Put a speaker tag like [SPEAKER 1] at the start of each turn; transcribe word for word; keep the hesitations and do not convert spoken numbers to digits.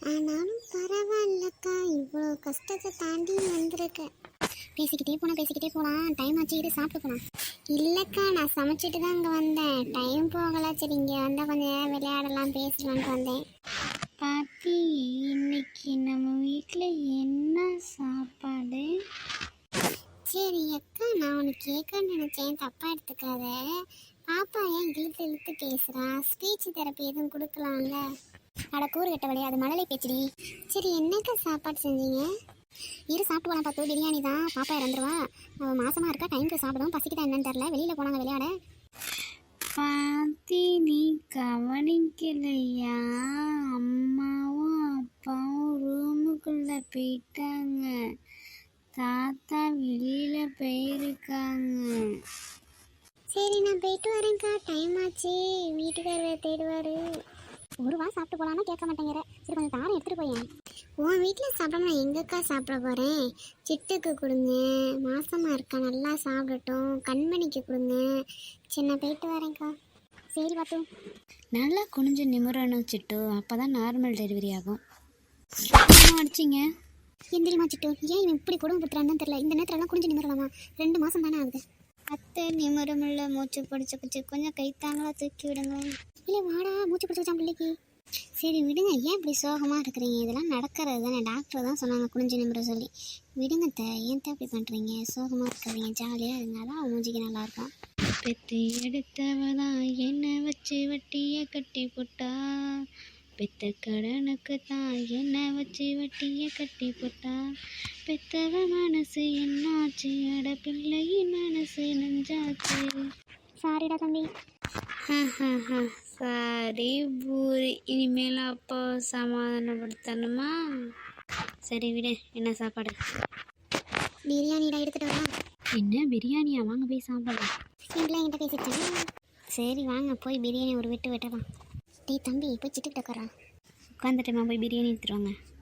[SPEAKER 1] ஆனாலும் பரவாயில்லக்கா, இவ்வளோ கஷ்டத்தை தாண்டி வந்திருக்கேன். பேசிக்கிட்டே போனால் பேசிக்கிட்டே போகலாம். டைம் ஆச்சு, இது சாப்பிட்டு போகலாம். இல்லைக்கா, நான் சமைச்சிட்டு தான் இங்கே வந்தேன். டைம் போகலை. சரி, இங்கே வந்தால் கொஞ்சம் நேரம் விளையாடலாம், பேசலான்ட்டு வந்தேன்.
[SPEAKER 2] பாத்தி, இன்னைக்கு நம்ம வீட்டில் என்ன சாப்பாடு?
[SPEAKER 1] சரி அக்கா, நான் உனக்கு கேட்கன்னு நினச்சேன், தப்பாக எடுத்துக்காத. பாப்பா ஏன் இழுத்து இழுத்து பேசுகிறா? ஸ்பீச் தெரப்பி எதுவும் கொடுக்கலாம்ல? அட கூறு கட்ட வழியா, அது மழலை பேச்சுடி. சரி, என்னக்கா சாப்பாடு செஞ்சீங்க? இரு சாப்பிட்டு போகலாம் பார்த்து. பிரியாணி தான். பாப்பா இறந்துருவா, அவள் மாசமாக இருக்கா. டைமுக்கு சாப்பிடும். பசிக்குதா என்னன்னு தெரில. வெளியில் போனாங்க விளையாட.
[SPEAKER 2] பாத்தி, நீ கவனிக்கலையா? அம்மாவும் அப்பாவும் ரூமுக்குள்ளே போயிட்டாங்க. தாத்தா வெளியில் போயிருக்காங்க.
[SPEAKER 1] சரி, நான் போயிட்டு வரேன்க்கா. டைம் ஆச்சு, வீட்டுக்காரர் தேடுவார். ஒரு வா சாப்பிட்டு போகலான்னா கேட்க மாட்டேங்கிற. சரி, கொஞ்சம் தாரம் எடுத்துகிட்டு போயேன். உன் வீட்டில் சாப்பிடாம நான் எங்கக்கா சாப்பிட போகிறேன்? சிட்டுக்கு கொடுங்க, மாசமாக இருக்கா, நல்லா சாப்பிடட்டும். கண்மணிக்கு கொடுங்க. சரி, நான் போயிட்டு வரேன்க்கா. சரி பாத்து.
[SPEAKER 2] நல்லா குனிஞ்சு நிமிரணும் சிட்டு, அப்போ தான் நார்மல் டெலிவரி ஆகும். அடிச்சிங்க
[SPEAKER 1] எந்திரிமா சிட்டு. ஏன் இவன் இப்படி குடும்பப்படுத்துறான்னு தெரியல. இந்த நேரத்துலலாம் குனிஞ்சு நிமிரலாமா? ரெண்டு மாதம் தானே ஆகுது.
[SPEAKER 2] அத்தை நிமிரமில்ல, மூச்சு பிடிச்சி பிடிச்சி கொஞ்சம் கைத்தாங்களா தூக்கி விடுங்க.
[SPEAKER 1] இல்லை வாடா, மூச்சு பிடிச்சி வச்சான் பிள்ளைக்கு.
[SPEAKER 2] சரி விடுங்க, ஏன் இப்படி சோகமாக இருக்கிறீங்க? இதெல்லாம் நடக்கிறது தானே. டாக்டர் தான் சொன்னாங்க குனிஞ்சு நிமிர சொல்லி. விடுங்க த, ஏன் தான் இப்படி பண்ணுறீங்க? சோகமாக இருக்கிறீங்க, ஜாலியாக இருந்தாலும் அவன் மூஞ்சிக்கு நல்லாயிருக்கும். பெத்து எடுத்தவதான் என்னை வச்சு வட்டியை கட்டி போட்டா, பெத்த கடனுக்கு தான் என்னை வச்சு வட்டியை கட்டி போட்டா. பெத்தவ மனசு என்னாச்சு, அட பிள்ளையின் மனசு நெஞ்சாச்சு.
[SPEAKER 1] சாரிடா தம்பி.
[SPEAKER 2] சாரி பூரி, இனிமேல் அப்போ சமாதானப்படுத்தணுமா? சரி விடு, என்ன சாப்பாடு?
[SPEAKER 1] பிரியாணிடா, எடுத்துகிட்டு வரா.
[SPEAKER 2] என்ன பிரியாணியா? வாங்க போய் சாப்பிடலாம்.
[SPEAKER 1] சிம்பிளாக என்கிட்ட பேசிட்டேன்.
[SPEAKER 2] சரி வாங்க போய் பிரியாணி ஒரு விட்டு வெட்டலாம்.
[SPEAKER 1] டேய் தம்பி, போய் சிட்டுக்கிட்ட உட்காரா.
[SPEAKER 2] உட்காந்துட்டேம்மா, போய் பிரியாணி எடுத்துட்டு வாங்க.